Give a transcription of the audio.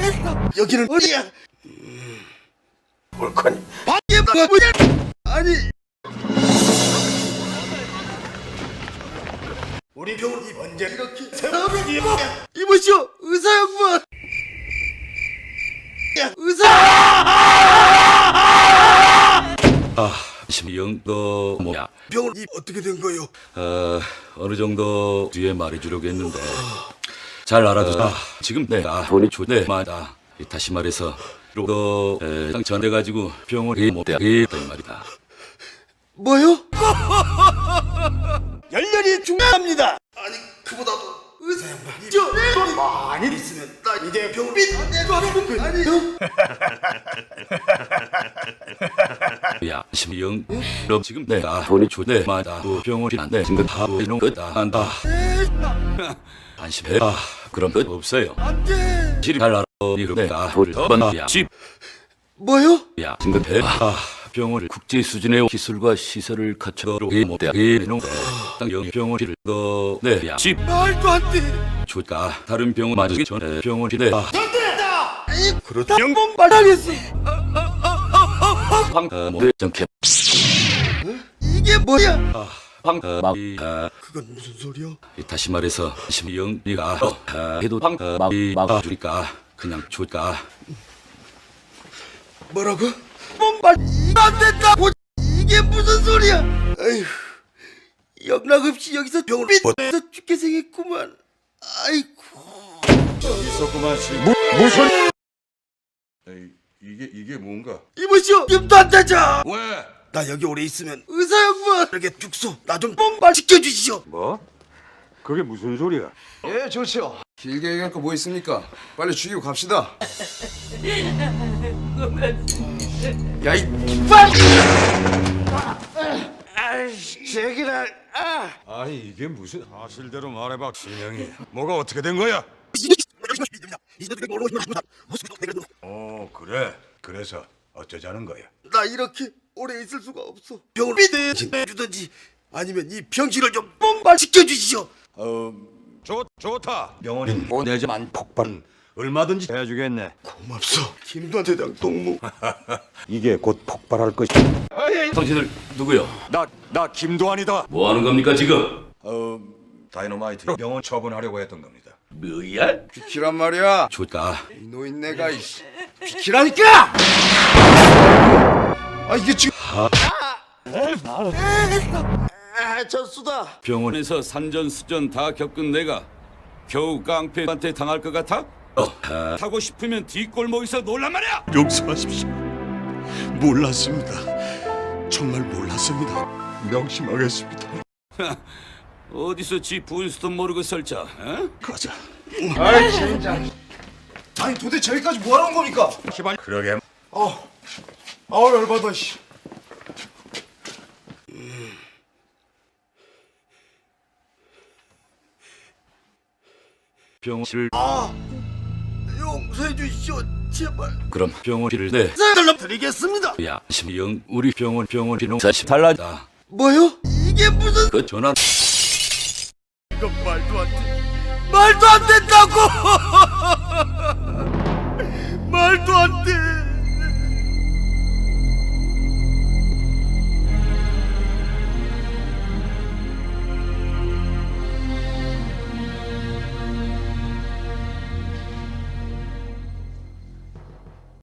여기는 어디야? 옳거니 밖에 뭐야? 아니 우리 병원이 언제 이렇게 새벽이 이보시오 의사 양반 의사 심영 너 뭐야? 병원이 어떻게 된 거요? 어느 정도 뒤에 말해주려고 했는데 잘 알아두자. 지금 내가 돈이 좋대마다 다시 말해서 너 상처돼가지고 병원에 못 되겠단 말이다. 뭐요? 열렬히 중요합니다. 아니 그보다도 의사 양반이 돈 많이 있으면 나 이제 병원비 아니 야 심영 너 지금 내가 돈이 좋대마다 병원이 안돼 지금 다 이놈 거다 한다. 안심해. 그럼 끝 없어요. 안돼. 잘 알아. 이거 내가 돈을 번야 집 뭐요? 야 지금 병원을 국제 수준의 기술과 시설을 갖춰로 못되게 해놓은 병원을 너내야 집 말도 안 돼. 좋다. 다른 병원 맞기 전에 병원이래. 그렇다. 영봉 발당했어. 정캡 이게 뭐야? 그건 무슨 소리야? 다시 말해서 심영이가 해도 막아주니까 그냥 줄까? 뭐라고? 뽕발 안 된다. 이게 무슨 소리야? 아휴 영락없이 여기서 병을 삐져서 죽게 생겼구만. 아이고 있었구만 씨. 무슨? 에이, 이게 뭔가? 이보시오 힘도 안 되자. 왜? 나 여기 오래 있으면 의사 양반 이렇게 죽소. 나 좀 뽕발 지켜주시오. 뭐? 그게 무슨 소리야? 예, 좋죠. 길게 얘기할 거 뭐 있습니까? 빨리 죽이고 갑시다. 야, 이 제기라. 아니 이게 무슨 사실대로 말해봐 신영이. 뭐가 어떻게 된 거야? 그래. 그래서 어쩌자는 거야? 나 이렇게 오래 있을 수가 없어. 병을 삐져주든지 아니면 이 병실을 좀 뽕발 지켜주시오. 좋다. 병원인 보내자만 폭발 얼마든지 해주겠네. 고맙소. 김도한 대장 동무. 이게 곧 폭발할 것이. 당신들 누구요? 나 김도환이다. 뭐 하는 겁니까 지금? 다이너마이트 병원 처분하려고 했던 겁니다. 뭐야? 비키란 말이야. 좋다. 이 노인네가 이씨. 비키라니까! 아, 이게 지금 졌수다. 병원에서 산전수전 다 겪은 내가 겨우 깡패한테 당할 것 같아? 타고 싶으면 뒷골목에서 놀란 말이야! 용서하십시오. 몰랐습니다. 정말 몰랐습니다. 명심하겠습니다. 어디서 지 부인수도 모르고 설자, 어? 가자. 아이, 진짜. 아니, 도대체 여기까지 뭐 하는 겁니까? 그러게. 아우, 열받아, 씨. 병실 용서해 주시오 제발. 그럼 병원비를 내. 달러 드리겠습니다. 야 심영 우리 병원 비용 40 달라다. 뭐요? 이게 무슨 그 전화 이건 말도 안 돼. 말도 안 된다고. 말도 안 돼.